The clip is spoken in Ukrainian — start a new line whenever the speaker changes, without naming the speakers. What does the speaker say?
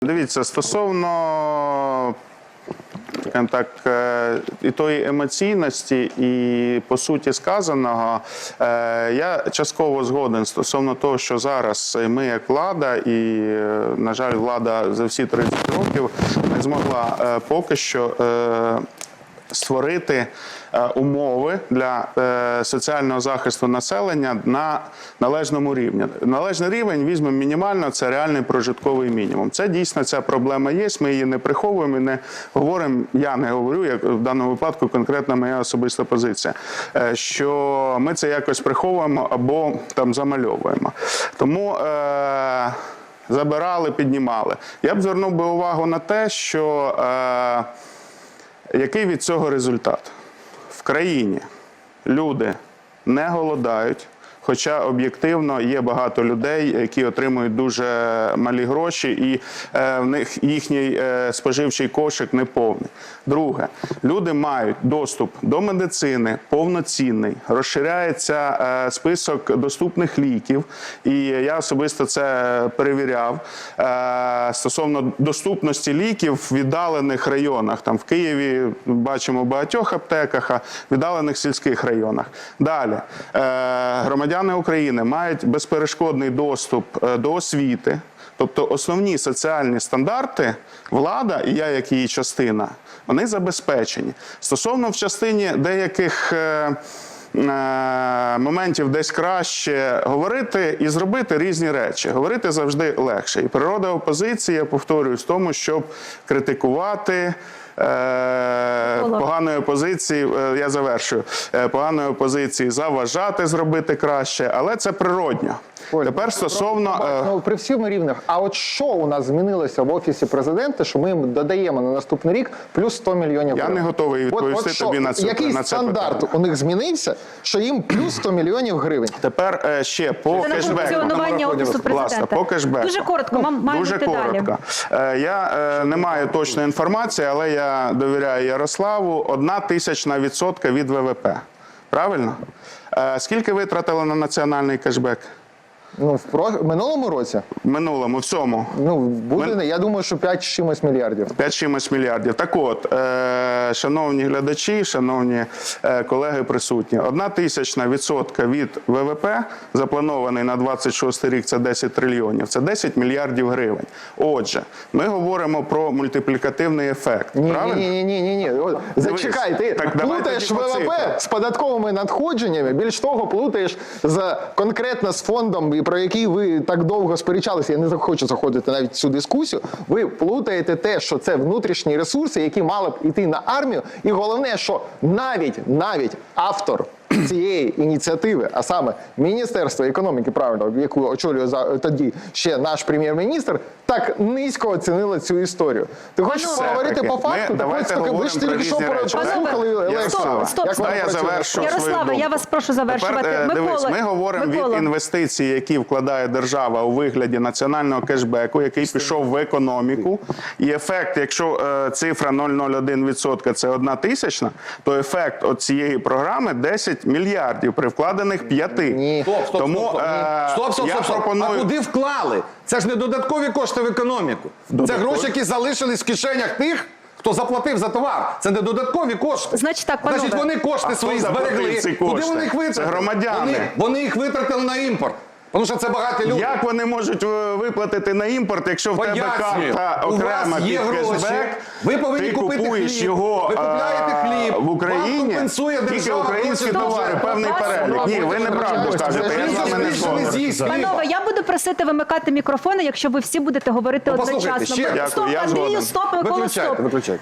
Дивіться, стосовно і тої емоційності, і по суті сказаного, я частково згоден стосовно того, що зараз ми як влада, і, на жаль, влада за всі 30 років не змогла поки що створити умови для соціального захисту населення на належному рівні. Належний рівень, візьмемо мінімально, це реальний прожитковий мінімум. Це дійсно ця проблема є, ми її не приховуємо і не говоримо, я не говорю, як в даному випадку конкретна моя особиста позиція, що ми це якось приховуємо або там замальовуємо. Тому забирали, піднімали. Я б звернув би увагу на те, що який від цього результат? В країні люди не голодають, хоча об'єктивно є багато людей, які отримують дуже малі гроші, і в них їхній споживчий кошик не повний. Друге, люди мають доступ до медицини повноцінний, розширяється список доступних ліків, і я особисто це перевіряв, стосовно доступності ліків в віддалених районах. Там в Києві бачимо в багатьох аптеках, а в віддалених сільських районах. Далі, громадяни України мають безперешкодний доступ до освіти, тобто основні соціальні стандарти влада, і я як її частина, вони забезпечені. Стосовно в частині деяких моментів десь краще говорити і зробити різні речі. Говорити завжди легше. І природа опозиції, я повторюю, в тому, щоб критикувати, поганої опозиції, я завершую, поганої опозиції заважати зробити краще, але це природньо. Тепер стосовно...
При всьому рівнях, а от що у нас змінилося в Офісі Президента, що ми їм додаємо на наступний рік плюс 100 мільйонів гривень?
Я не готовий відповісти тобі на це питання.
Який стандарт у них змінився, що їм плюс 100 мільйонів гривень?
Тепер ще по кешбеку.
Функціонування Офісу Президента.
По кешбеку.
Дуже коротко, маємо
Дуже
бути далі.
коротко. Я не маю точної інформації, але я довіряю Ярославу. 0,01% від ВВП. Правильно? Скільки витратили на національний кешбек?
Ну, в минулому році?
В минулому, в цьому.
Ну, буде, я думаю, що 5 з чимось мільярдів.
5 з чимось мільярдів. Так от, шановні глядачі, шановні колеги присутні, 0,01% від ВВП, запланований на 26 рік, це 10 трильйонів, це 10 мільярдів гривень. Отже, ми говоримо про мультиплікативний ефект, правильно?
Ні. Зачекай, ти плутаєш ВВП з податковими надходженнями, більш того, плутаєш конкретно з фондом, про який ви так довго сперечалися, я не хочу заходити навіть в цю дискусію, ви плутаєте те, що це внутрішні ресурси, які мали б йти на армію, і головне, що навіть автор цієї ініціативи, а саме Міністерство економіки, правильно, яку очолює тоді ще наш прем'єр-міністр, так низько оцінило цю історію. Ти хочеш поговорити по факту?
Давайте говоримо про різні речі.
Ярославе, я вас прошу завершувати.
Дивись, ми говоримо від інвестицій, які вкладає держава у вигляді національного кешбеку, який пішов в економіку. І ефект, якщо цифра 0,01% це 1/1000, то ефект от цієї програми 10 мільярдів при вкладених 5.
Ні. Стоп. А куди вклали? Це ж не додаткові кошти в економіку. Це гроші, які залишились в кишенях тих, хто заплатив за товар. Це не додаткові кошти.
Значить так, панове.
Значить, вони кошти свої зберегли. Куди вони їх витратили?
Це громадяни.
Вони їх витратили на імпорт. Тому що це багаті люди.
Як вони можуть виплатити на імпорт, якщо в тебе карта окрема під кешбек,
ви повинні
ти
купити
купуєш
хліб,
його
ви купляєте хліб,
в Україні, тільки українські товари, певний перелік. Ні, ви неправду кажете, я з вами не згоден.
Панове, я буду просити вимикати мікрофони, якщо ви всі будете говорити одночасно.
Послухайте, ще.
Стоп,
Дякую, я
Андрію,
згоден.
стоп, Микола, стоп.
Виключайте.